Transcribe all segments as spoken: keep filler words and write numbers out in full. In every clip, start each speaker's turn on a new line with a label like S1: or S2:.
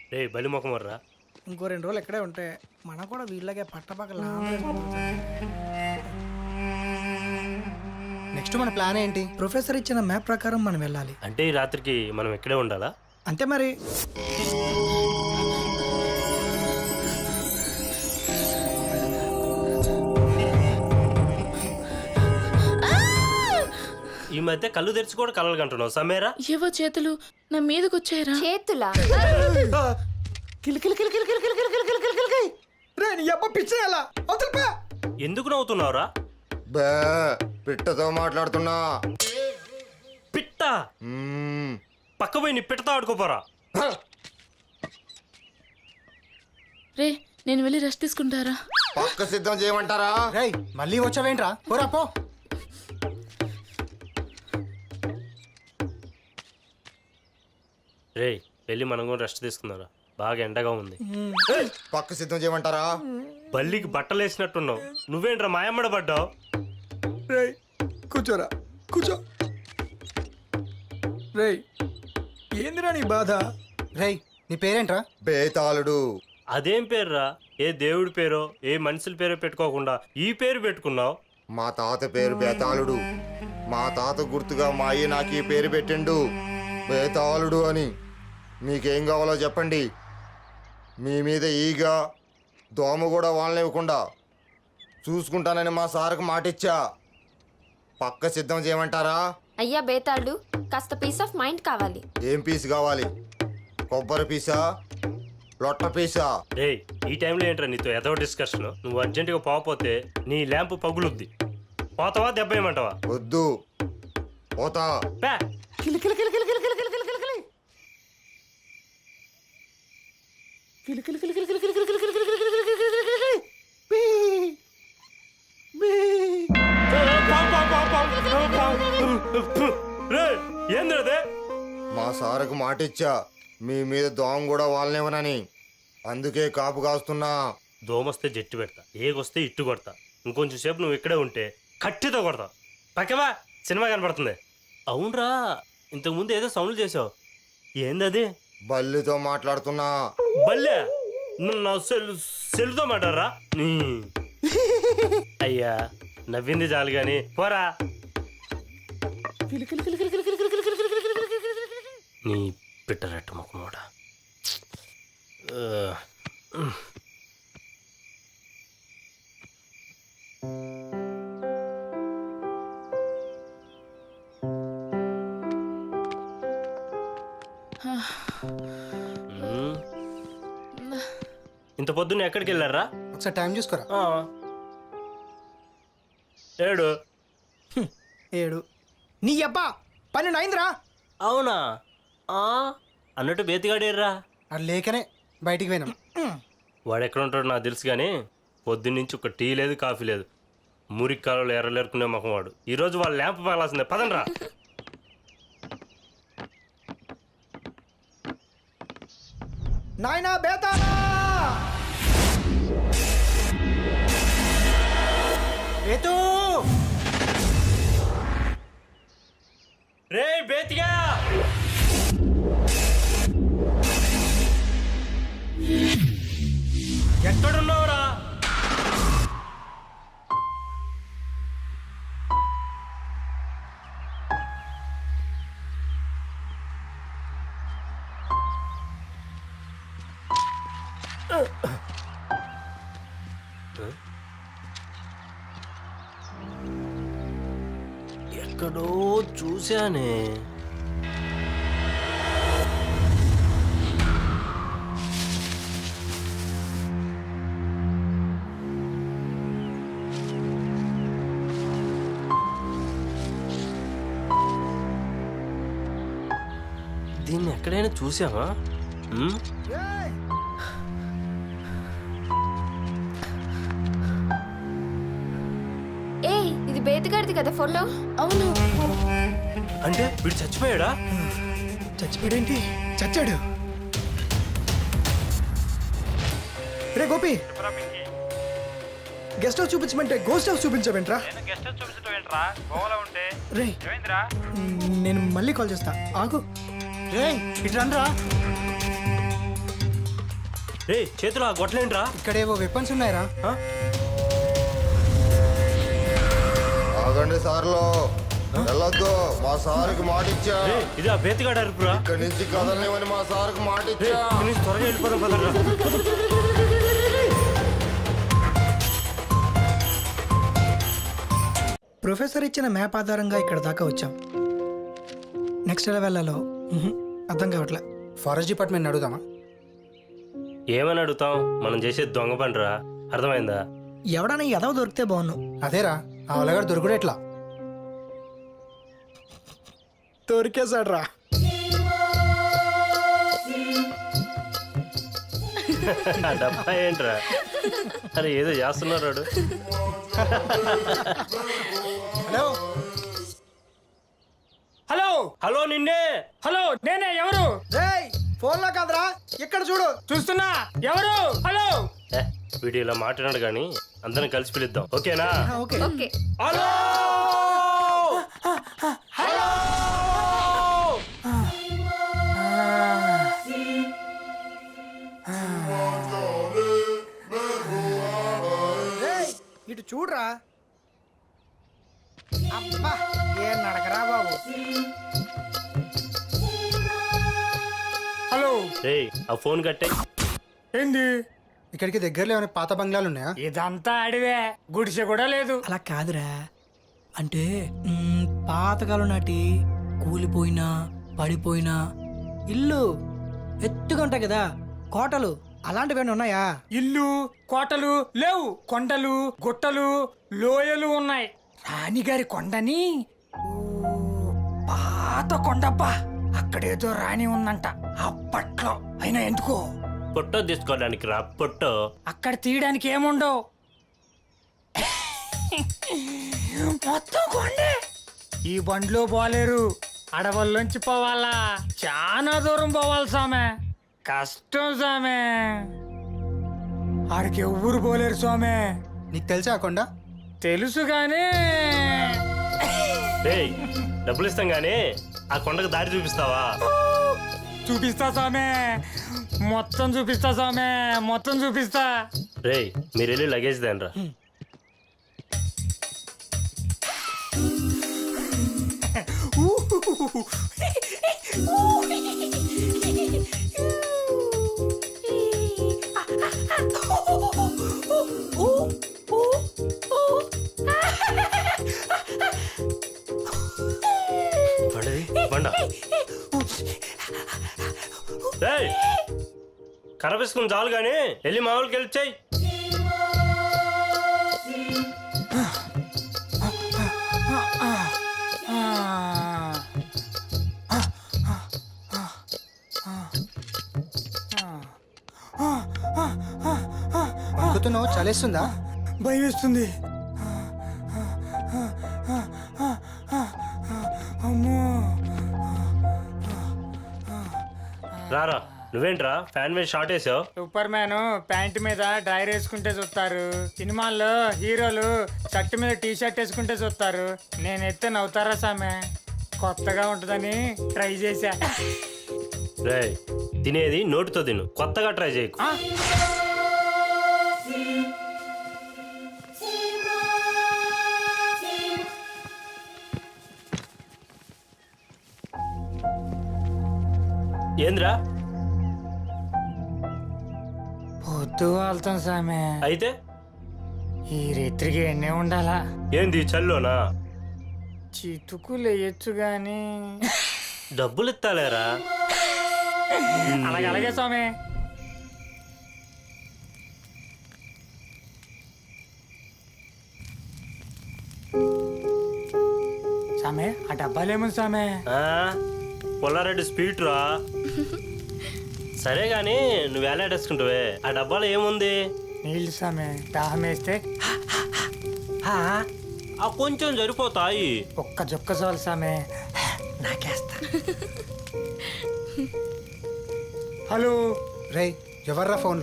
S1: రే బలి ముఖం వర్రా.
S2: ఇంకో రెండు రోజులు ఎక్కడే ఉంటే మనం కూడా వీళ్ళగే పట్టపక్కల
S3: నెక్స్ట్ మన ప్లాన్ ఏంటి?
S2: ప్రొఫెసర్ ఇచ్చిన మ్యాప్ ప్రకారం మనం వెళ్ళాలి.
S1: అంటే ఈ రాత్రికి మనం ఇక్కడే ఉండాలా?
S2: అంతే మరి.
S1: ఈ మధ్య కళ్ళు తెరిచి కూడా కలలు కంటున్నావు సమేరా.
S4: ఏవో చేతులు నా మీదకి వచ్చాయరా.
S5: చేతులా?
S1: ఎందుకు నవ్వుతున్నావురా?
S6: బే పిట్టతో మాట్లాడుతున్నా.
S1: పిట్ట
S6: మ్మ్.
S1: పక్క పోయి నీ పిట్టతో ఆడుకోపోరా.
S4: రే నేను వెళ్ళి రెస్ట్ తీసుకుంటారా?
S6: పక్క సిద్ధం చేయమంటారా?
S3: రేయ్ మళ్ళీ వచ్చావేంట్రా? పోరా పో.
S1: రే వెళ్ళి మనం కూడా రెస్ట్ తీసుకున్నారా, బాగా ఎండగా ఉంది.
S6: పక్క సిద్ధం చేయమంటారా?
S1: బల్లికి బట్టలు వేసినట్టున్నావు, నువ్వేంట్రా మాయమ్మడ పడ్డావు?
S2: రేయ్ కూర్చోరా, కూర్చో. రేయ్ ఏందిరా నీ బాధ?
S3: రేయ్ నీ పేరేంట్రా?
S6: బేతాళుడు.
S1: అదేం పేరురా? ఏ దేవుడి పేరో ఏ మనుషుల పేరో పెట్టుకోకుండా ఈ పేరు పెట్టుకున్నావు.
S6: మా తాత పేరు బేతాళుడు. మా తాత గుర్తుగా మా అయ్య నాకు ఈ పేరు పెట్టిండు, బేతాళుడు అని. మీకేం కావాలో చెప్పండి. మీ మీద ఈగ దోమ కూడా వాళ్ళనివ్వకుండా చూసుకుంటానని మా సార్కు మాటిచ్చా. పక్క సిద్ధం చేయమంటారా?
S5: అయ్యా బేతాళుడు, కాస్త పీస్ ఆఫ్ మైండ్ కావాలి.
S6: ఏం పీస్ కావాలి? కొబ్బరి పీసా, లొట్ట పీసా?
S1: రే ఈ టైంలో ఏంట్రా నీతో ఎదో డిస్కషన్? నువ్వు అర్జెంటుగా పోకపోతే నీ ల్యాంప్ పగులుద్ది. పోతావా దెబ్బ ఏమంటావా?
S6: వద్దు పోతా.
S1: పే. రేయ్, ఏందిరదే?
S6: మా సారుకు మాటిచ్చా మీ మీద దోమ కూడా వాళ్ళనివ్వనని, అందుకే కాపు కాస్తున్నా.
S1: దోమొస్తే జట్టు పెడతా, ఏగొస్తే ఇట్టు కొడతా. ఇంకొంచెం సేపు నువ్వు ఇక్కడే ఉంటే కట్టితో కొడతా. పక్కవా సినిమా కనపడుతుంది. అవునరా, ఇంతకుముందు ఏదో సౌండ్లు చేసావు, ఏందది?
S6: బల్లితో మాట్లాడుతున్నా.
S1: బల్లె నువ్వు నా సెల్ సెల్తో మాట్లాడరా? అయ్యా నవ్వింది చాలు గాని పోరా. నీ పిట్టరెట్టు ముఖమోడ. ఇంత పొద్దున్న ఎక్కడికి వెళ్ళారా?
S3: ఒకసారి టైం చూసుకోరా.
S1: ఏడు
S2: ఏడు నీ అబ్బా పన్నెండు అయిందిరా.
S1: అవునా? అన్నట్టు బేతిగాడేర్రా.
S3: అది లేకనే బయటికి పోయినాం.
S1: వాడు ఎక్కడ ఉంటాడో నాకు తెలుసు కానీ పొద్దున్నుంచి ఒక టీ లేదు కాఫీ లేదు. మురికి కాలంలో ఎర్రలేరుకునే మొహం వాడు. ఈరోజు వాళ్ళ ల్యాంప్ పగలాల్సిందే, పదండ్రా.
S2: నాయనా బేతాళా,
S3: ఏతో
S1: రే బేతిగా, ఎక్కడున్నావురా? ఎక్కడో చూశానే. దీన్ని ఎక్కడైనా చూసావా?
S5: ఏ ఇది బేతగాడిది కదా ఫోటో?
S4: అవును.
S1: అంటే వీడు చచ్చిపోయాడా?
S2: చచ్చిపోయాడేంటి? చచ్చాడు. రే గోపి, గెస్ట్ హౌస్ చూపించమంటే గోస్ట్ హౌస్ చూపించవేంట్రా? రే నేను మళ్ళీ కాల్ చేస్తా, ఆగు.
S3: రేయ్ ఇటు రండ్రా.
S1: రే చేతిలో ఆ గొట్టలేంట్రా
S3: ఇక్కడేవో వెపన్స్ ఉన్నాయరా.
S6: ఆగండి సార్లో వెళ్ళొద్దు, మా సార్కి మాట ఇచ్చా.
S1: రే ఇది ఆ బేతిగాడు అరుపురా.
S6: ఇక్కడి నుంచి కదలనివని మా సార్కి మాట
S1: రే
S6: ఇచ్చా.
S1: ఇక్కడి నుంచి త్వరగా వెళ్ళిపోదాం పదరా.
S2: ప్రొఫెసర్ ఇచ్చిన మ్యాప్ ఆధారంగా ఇక్కడ దాకా వచ్చాం. నెక్స్ట్ ఎలా వెళ్ళాలో మ్హూ, అర్థం కావట్లే.
S3: ఫారెస్ట్ డిపార్ట్మెంట్ అడుగుదామా?
S1: ఏమని అడుగుతాం, మనం చేసేది దొంగ పనిరా, అర్థమైందా?
S2: ఎవడన్నా ఎదవ దొరికితే బాగున్నావు.
S3: అదేరా ఆ వలగాడు దొరుకుడు ఎట్లా?
S2: దొరికేశాడు రా.
S1: ఆ డబ్బా ఏంట్రా? అరే ఏదో చేస్తున్నాడు వాడు.
S3: హలో
S2: హలో
S1: హలో నిన్నే.
S2: హలో నేనే. ఎవరు? రేయ్ ఫోన్ లో కాదురా, ఇక్కడ చూడు. చూస్తున్నా. ఎవరు? హలో.
S1: ఏ, వీడు ఇలా మాట్లాడాడు కానీ అందరం కలిసి పిలుద్దాం, ఓకేనా?
S2: Okay
S5: okay.
S1: Hello hello.
S2: రేయ్ ఇటు చూడురా. అబ్బా ఏం నడకరా బాబు. హలో.
S1: రే ఆ ఫోన్ కట్టే.
S2: ఏంది?
S3: ఇక్కడికి దగ్గరలో ఏమైనా పాత బంగ్లాలు ఉన్నాయా?
S2: ఇదంతా అడివే, గుడిసె కూడా లేదు. అలా కాదురా, అంటే మ్, పాతకాలం నాటి కూలిపోయినా పడిపోయినా ఇల్లు ఎత్తుగా ఉంటాయి కదా, కోటలు అలాంటివి ఉన్నాయా? ఇల్లు కోటలు లేవు, కొండలు గుట్టలు లోయలు ఉన్నాయి. రాణిగారి కొండని ఓ, పాత కొండబ్బా, అక్కడేదో రాణి ఉందంట అప్పట్లో. అయినా ఎందుకో
S1: పొట్టో తీసుకోవడానికి రా పొట్టో.
S2: అక్కడ తీయడానికి ఏముండవు, మొత్తం కొండే. ఈ బండ్లో పోలేరు, అడవుల్లోంచి పోవాలా, చాలా దూరం పోవాలి సామె, కష్టం సామె. ఆడికి ఎవ్వరు పోలేరు స్వామి.
S3: నీకు తెలుసా ఆ కొండ?
S2: తెలుసు గానీ
S1: రే డబ్బులు ఇస్తాం గానీ ఆ కొండకు దారి చూపిస్తావా?
S2: చూపిస్తా సామె, మొత్తం చూపిస్తా సామె, మొత్తం చూపిస్తా.
S1: రే మీరు వెళ్ళి లగేజ్ దేనరా. పడది బండ. రేయ్ కరపేసుకుని చాలు కానీ వెళ్ళి మా వాళ్ళకి వెళ్ళి చెయ్యి.
S3: అనుకుతున్నావు చలేస్తుందా?
S2: భయం వేస్తుంది. అమ్మో.
S1: రారా నువ్వేంట్రా ఫ్యాన్ మీద షార్ట్ వేసావు?
S2: సూపర్ మ్యాన్ ప్యాంట్ మీద డ్రైర్ వేసుకుంటే చూస్తారు, సినిమాల్లో హీరోలు షర్ట్ మీద టీ షర్ట్ వేసుకుంటే చూస్తారు. నేను ఎత్తే నవ్వుతారా సామె, కొత్తగా ఉంటుందని ట్రై చేశా.
S1: రే తినేది నోటితో తిను, కొత్తగా ట్రై చేయకు.
S2: ఆ?
S1: ఏంద్రా
S2: పొద్దు వెళ్తాం సామె,
S1: అయితే
S2: ఈ రాత్రికి ఎన్నే ఉండాలా?
S1: ఏంది చల్లోనా?
S2: చితుకులు వేయచ్చు గాని
S1: డబ్బులు ఇస్తాలేరా.
S2: అలాగే అలాగే స్వామి. సామె ఆ డబ్బాలేముంది సామె?
S1: ఆ, పుల్లారెడ్డి స్పీడ్ రా. సరే గాని నువ్వు వేలాడేసుకుంటావే, ఆ డబ్బాలో ఏముంది?
S2: నీళ్ళు సామె, దాహం వేస్తే
S1: ఆ కొంచెం సరిపోతాయి.
S2: ఒక్క జొక్క చాలు సామె, నాకేస్తా. హలో.
S3: రేయ్ ఎవర్రా ఫోన్లో?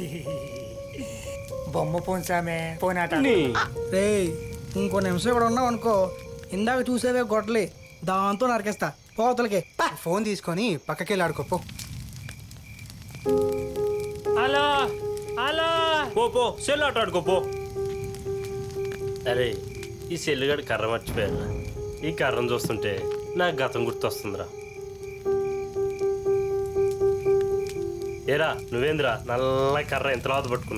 S2: బొమ్మ పోను సామె, పోనాట.
S7: రే ఇంకో నిమిషం ఇక్కడ ఉన్నావు అనుకో, ఇందాక చూసేవే గొడ్డలి, దాంతో నరికేస్తా పోతలకి.
S3: ఫోన్ తీసుకొని పక్కకి వెళ్ళి ఆడుకోపో.
S2: హలో హలో
S1: పో పో సెల్ ఆట ఆడుకో పో. అరే ఈ సెల్లుగాడు కర్ర మర్చిపోయాను. ఈ కర్రను చూస్తుంటే నాకు గతం గుర్తొస్తుందిరా. ఏరా నువ్వేంద్రా నల్ల కర్ర ఎంత లాత పట్టుకున్నావు?